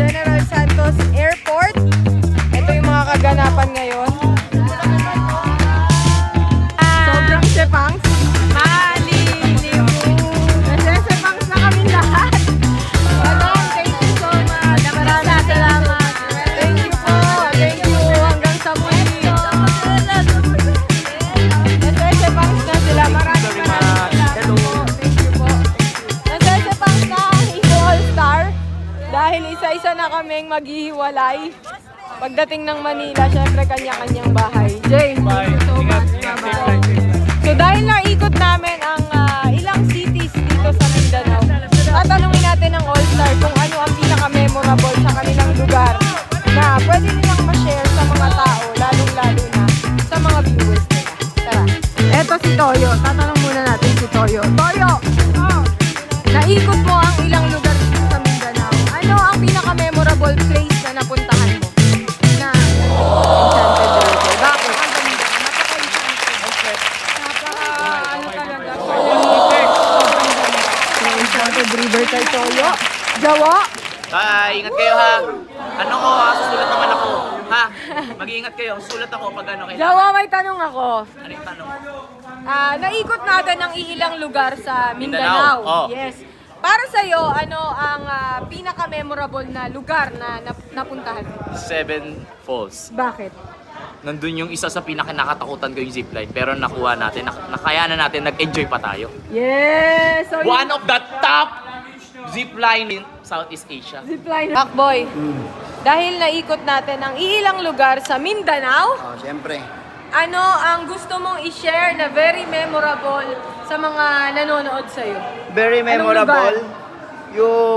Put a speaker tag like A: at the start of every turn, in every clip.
A: General Santos Airport. Ito yung mga kaganapan ngayon. Sobrang sepangs. Malilimu. Nagsesepangs na kami lahat. Madam, thank you so much. Maraming salamat. Thank you po. Thank you. Hanggang sa muli. Nagsesepangs na sila. Maraming salamat. Thank you po. Nagsesepangs na ang Ibo All-Star. Dahil isa-isa na kaming maghihiwalay. Pagdating ng Manila, syempre kanya-kanyang bahay. Jay, thank you so much. Bye-bye. So dahil naikot namin ang ilang cities dito sa Mindanao, tatanungin natin ang All-Star kung ano ang pinaka-memorable sa kanilang lugar na pwede nilang ma-share sa mga tao, lalong-lalo na sa mga viewers nila. Tara. Eto si Toyo. Tatanong muna natin si Toyo. Toyo! Naikot mo ang ilang lugar dito sa Mindanao. Ano ang pinaka-memorable place na napuntahan mo? Na Enchanted River. Bakit? Ano talaga? Enchanted River kay Toyo. Jawa?
B: Ingat kayo ha. Ano ko ha? Susulat naman ako. Ha? Mag-iingat kayo. Susulat ako pag ano kayo.
A: Jawa, may tanong ako.
B: Ano yung tanong?
A: Naikot natin ang ilang lugar sa Mindanao.
B: Oh.
A: Yes. Para sa'yo, ano ang pinaka-memorable na lugar na napuntahan mo?
B: Seven Falls.
A: Bakit?
B: Nandun yung isa sa pinakanakatakutan ko yung zipline. Pero nakuha natin. Nakayanan natin. Nag-enjoy pa tayo.
A: Yes! So,
B: One of the top zipline in Southeast Asia.
A: zipline. Macboy, dahil naikot natin ang ilang lugar sa Mindanao,
C: Oh, siyempre.
A: ano ang gusto mong i-share na very memorable sa mga nanonood sa'yo?
C: Very
A: Anong
C: memorable.
A: lugar?
C: Yung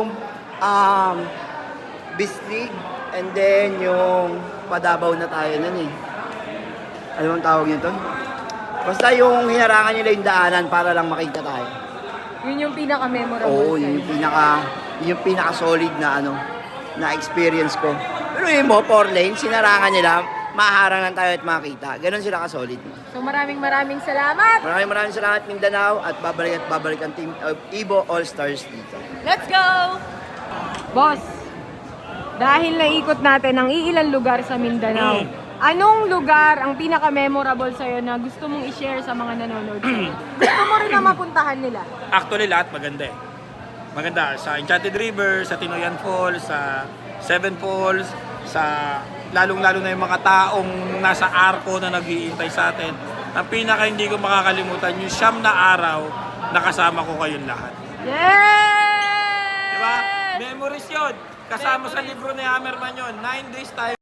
C: Bislig and then yung Padabaw na tayo nun eh. Ano ang tawag nito? Basta yung hinarangan nila yung daanan para lang makita tayo.
A: Yun yung pinaka-memorable
C: Oo,
A: sa'yo.
C: yun yung pinaka-solid na na experience ko. Pero yun mo, 4 lane, sinarangan nila, maharangan tayo at makita. Ganon sila ka-solid.
A: So maraming salamat!
C: Maraming salamat Mindanao at babalik ang team of Ibo All-Stars dito.
A: Let's go! Boss, dahil naikot natin ang iilang lugar sa Mindanao, anong lugar ang pinaka-memorable sa'yo na gusto mong i-share sa mga nanonood sa'yo? Gusto mo rin na mapuntahan nila?
D: Actually, lahat maganda eh. Maganda sa Enchanted River, sa Tinoyan Falls, sa Seven Falls, sa lalong-lalo na yung mga taong nasa Arco na nag-iintay sa atin. Ang pinaka hindi ko makakalimutan, yung 9 na araw na kasama ko kayong lahat.
A: Yes!
D: Diba? Memories yun. Kasama sa libro ni Hammerman yun. 9 days tayo